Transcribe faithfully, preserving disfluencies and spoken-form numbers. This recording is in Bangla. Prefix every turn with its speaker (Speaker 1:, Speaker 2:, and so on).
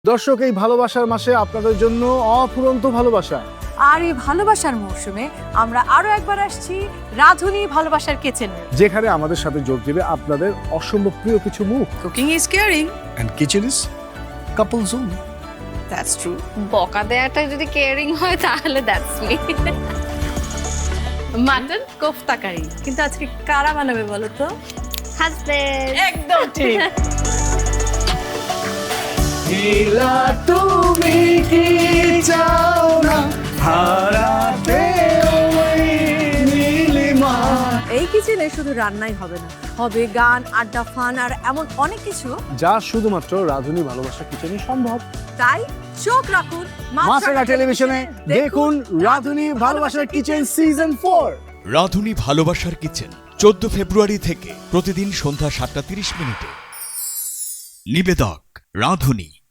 Speaker 1: দর্শক, এই ভালোবাসার মাসে আপনাদের জন্য অফুরন্ত ভালোবাসা।
Speaker 2: আর এই ভালোবাসার মৌসুমে আমরা আরো একবার আসছি রাধুনী ভালোবাসার কিচেনে,
Speaker 1: যেখানে আমাদের সাথে যোগ দেবে আপনাদের অসম্ভব প্রিয় কিছু মুখ।
Speaker 2: Cooking is caring
Speaker 1: and kitchen is couple zone.
Speaker 2: That's true.
Speaker 3: বকা দেয়াটা যদি কেয়ারিং হয় তাহলে that's me. Mutton kofta curry.
Speaker 2: কিন্তু আজকে কারা বানাবে বলো তো?
Speaker 3: হাজবেন্ড।
Speaker 2: একদম ঠিক।
Speaker 1: নীলা তুমি কি চাও না হারাতে ওই নীলিমা।
Speaker 2: এই কিচেনে শুধু রান্নাই হবে না, হবে গান, আড্ডা, ফান আর এমন অনেক কিছু
Speaker 1: যা শুধুমাত্র রাধুনী ভালোবাসা কিচেনে সম্ভব।
Speaker 2: তাই চোখ রাখুন
Speaker 1: মাছরাঙা টেলিভিশনে, দেখুন রাধুনী ভালোবাসার কিচেন সিজন ফোর।
Speaker 4: রাধুনী ভালোবাসার কিচেন চোদ্দ ফেব্রুয়ারি থেকে প্রতিদিন সন্ধ্যা সাতটা তিরিশ মিনিটে। নিবেদক রাধুনী।